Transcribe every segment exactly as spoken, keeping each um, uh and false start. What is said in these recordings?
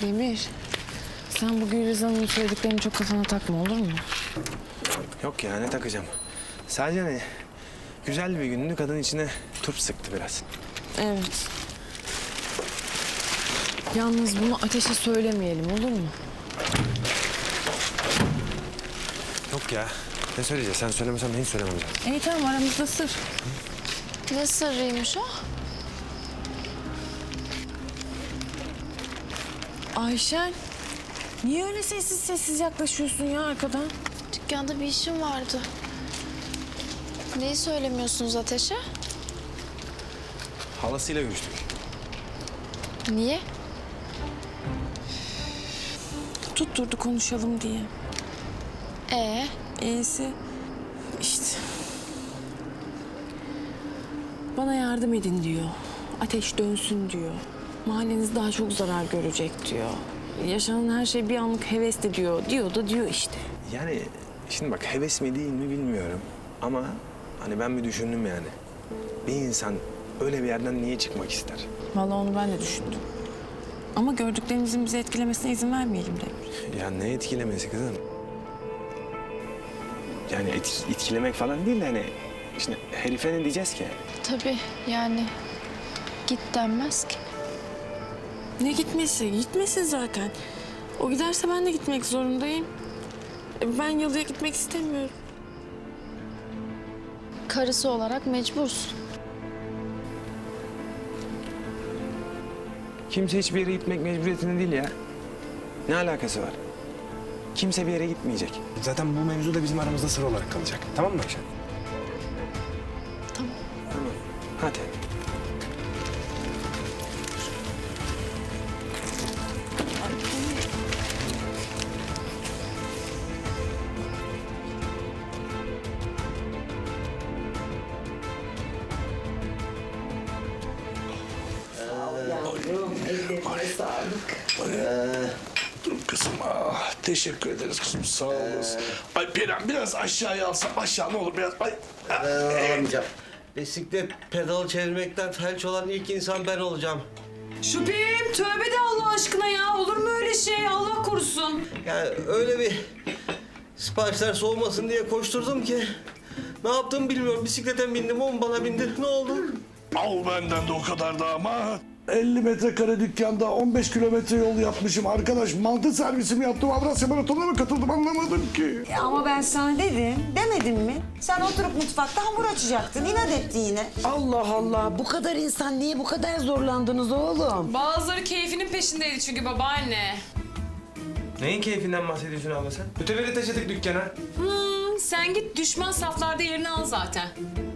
Demir, sen bu Gülriz Hanım'ın söylediklerini çok kafana takma, olur mu? Yok ya, ne takacağım? Sadece hani güzel bir gündü, kadın içine turp sıktı biraz. Evet. Yalnız bunu Ateş'e söylemeyelim, olur mu? Yok ya, ne söyleyeceğiz? Sen söylemesen ben hiç söylemem zaten. İyi tamam, aramızda sır. Ne sırrıymış o? Ayşen, niye öyle sessiz sessiz yaklaşıyorsun ya arkadan? Dükkanda bir işim vardı. Neyi söylemiyorsunuz Ateş'e? Halasıyla görüştük. Niye? Tutturdu konuşalım diye. Ee, İyisi işte. Bana yardım edin diyor. Ateş dönsün diyor. Mahalleniz daha çok zarar görecek diyor. Yaşanan her şey bir anlık hevesli diyor. Diyor da diyor işte. Yani şimdi bak, heves mi değil mi bilmiyorum. Ama hani ben bir düşündüm yani. Bir insan öyle bir yerden niye çıkmak ister? Vallahi onu ben de düşündüm. Ama gördüklerimizin bizi etkilemesine izin vermeyelim Demir. Ya ne etkilemesi kızım? Yani et, etkilemek falan değil de hani... Şimdi herife ne diyeceğiz ki? tabii yani git denmez ki. Ne gitmesi? Gitmesin zaten. O giderse ben de gitmek zorundayım. E, Ben yalıya gitmek istemiyorum. Karısı olarak mecbursun. Kimse hiçbir yere gitmek mecburiyetinde değil ya. Ne alakası var? Kimse bir yere gitmeyecek. Zaten bu mevzu da bizim aramızda sır olarak kalacak. Tamam mı Ayşen? Tamam. Tamam. Hadi. Yavrum, ellerine sağlık. Dur kızım. Ah, teşekkür ederiz kızım. Sağ olasın. Ay Perihan biraz aşağıya alsam. Aşağı ne olur biraz. Ay. ah, Ben alamayacağım. Bisiklet pedalı çevirmekten felç olan ilk insan ben olacağım. Şüphem, tövbe de Allah aşkına ya. Olur mu öyle şey? Allah korusun. Yani öyle bir siparişler soğumasın diye koşturdum ki... Ne yaptığımı bilmiyorum. Bisiklete bindim, o mu bana bindi? Ne oldu? Al benden de o kadar da ama. elli metrekare dükkanda on beş kilometre yol yapmışım. Arkadaş mantı servisi mi yaptım? Avrasya Maratonu'na mı katıldım anlamadım ki. Ama ben sana dedim, demedim mi? Sen oturup mutfakta hamur açacaktın. İnat etti yine. Allah Allah, bu kadar insan niye bu kadar zorlandınız oğlum? Bazıları keyfinin peşindeydi çünkü babaanne. Neyin keyfinden bahsediyorsun abla sen? Öteberi taşıdık dükkana. Hmm, sen git düşman saflarda yerini al zaten.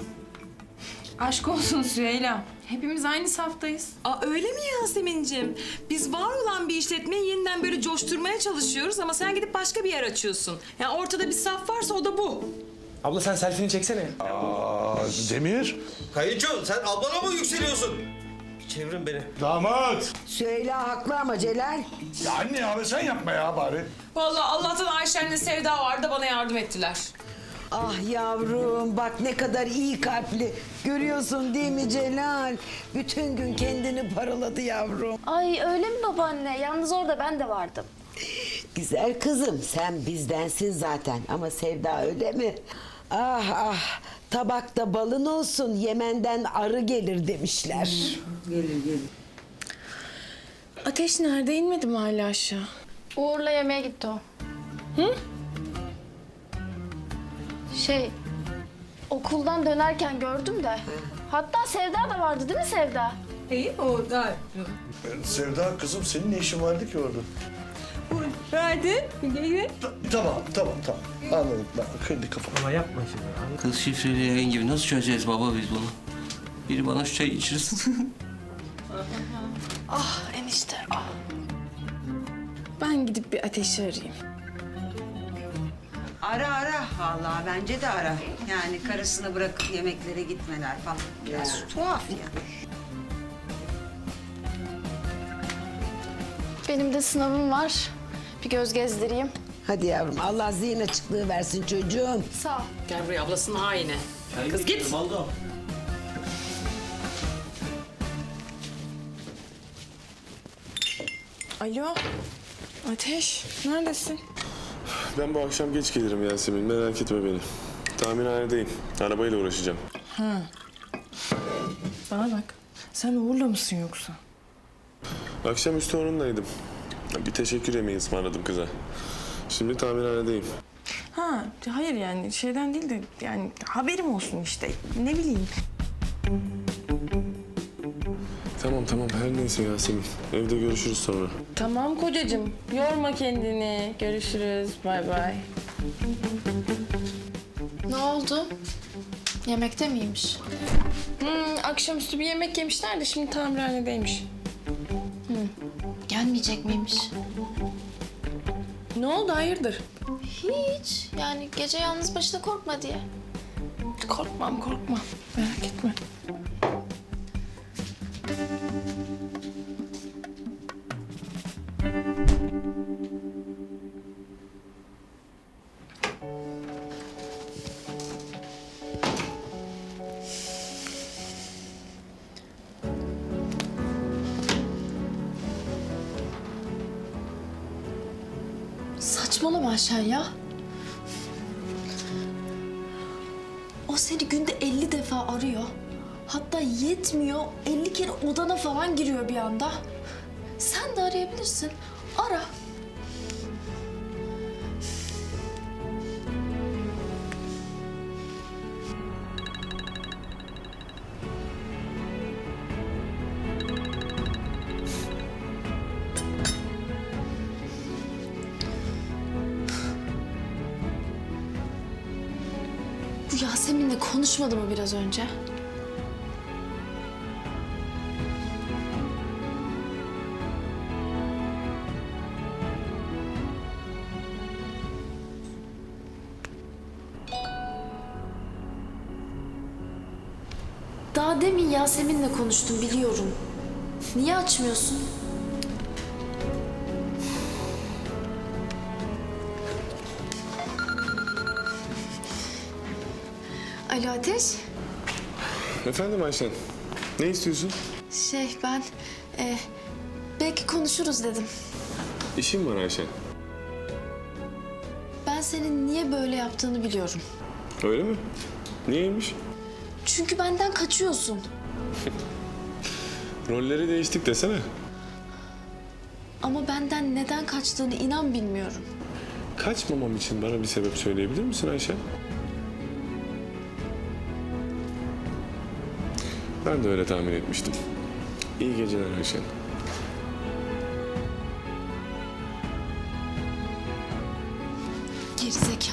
Aşk olsun Süheyla. Hepimiz aynı saftayız. Aa öyle mi Yasemin'ciğim? Biz var olan bir işletmeyi yeniden böyle coşturmaya çalışıyoruz ama sen gidip başka bir yer açıyorsun. Yani ortada bir saf varsa o da bu. Abla sen selfie'ni çeksene. Aa, Demir. Kayınço, sen ablana mı yükseliyorsun? Çevirin beni. Damat. Süheyla haklı ama Celal. Ya anne abi sen yapma ya bari. Vallahi Allah'tan Ayşen'le Sevda vardı bana yardım ettiler. Ah yavrum, bak ne kadar iyi kalpli. Görüyorsun değil mi Celal? Bütün gün kendini paraladı yavrum. Ay öyle mi babaanne? Yalnız orada ben de vardım. Güzel kızım, sen bizdensin zaten. Ama Sevda öyle mi? Ah ah, tabakta balın olsun, Yemen'den arı gelir demişler. Ateş nerede? İnmedi mi hala aşağı? Uğur'la yemeğe gitti o. Hı? Şey, okuldan dönerken gördüm de. Hatta Sevda da vardı değil mi Sevda? İyi o da. Sevda kızım senin ne işin vardı ki orada? Hadi. Gel. Tamam tamam tamam. Anladım ben. Kırdı kafamı. Kız şifreli yayın gibi nasıl çözeceğiz baba biz bunu? Biri bana şu çayı içirsin. Ah enişte, ah. Ben gidip bir Ateş'i arayayım. Ara ara vallahi bence de ara. Yani karısını bırakıp yemeklere gitmeler falan. Biraz tuhaf ya. Benim de sınavım var. Bir göz gezdireyim. Hadi yavrum, Allah zihin açıklığı versin çocuğum. Sağ ol. Gel buraya ablasının haini. Kız git. Alo. Ateş, neredesin? Ben bu akşam geç gelirim Yasemin. Merak etme beni. Tamirhanedeyim. Arabayla uğraşacağım. Bana bak. Sen Uğur'la mısın yoksa? Akşamüstü onunlaydım. Bir teşekkür yemeği ısmarladım kıza. Şimdi tamirhanedeyim. Ha, hayır yani şeyden değil de yani haberim olsun işte. Ne bileyim. Tamam tamam her neyse Yasemin. Evde görüşürüz sonra. Tamam kocacığım. Yorma kendini. Görüşürüz. Bay bay. Ne oldu? Yemekte miymiş? Hmm, akşamüstü bir yemek yemişler de şimdi tamirhanedeymiş. Gelmeyecek miymiş? Ne oldu hayırdır? Hiç. Yani gece yalnız başına korkma diye. Korkmam korkmam. Merak etme. Saçmalama Ayşen ya. O seni günde elli defa arıyor. Hatta yetmiyor, elli kere odana falan giriyor bir anda. Sen de arayabilirsin. Ara. Bu Yasemin'le konuşmadı mı biraz önce? Daha demin Yasemin'le konuştum biliyorum. Niye açmıyorsun? Alo Ateş. Efendim Ayşen. Ne istiyorsun? Şey ben e, belki konuşuruz dedim. İşim var Ayşen. Ben senin niye böyle yaptığını biliyorum. Öyle mi? Niyeymiş? Çünkü benden kaçıyorsun. Rolleri değiştik desene. Ama benden neden kaçtığını inan bilmiyorum. Kaçmamam için bana bir sebep söyleyebilir misin Ayşen? Ben de öyle tahmin etmiştim. İyi geceler Ayşen. Gerizekalı.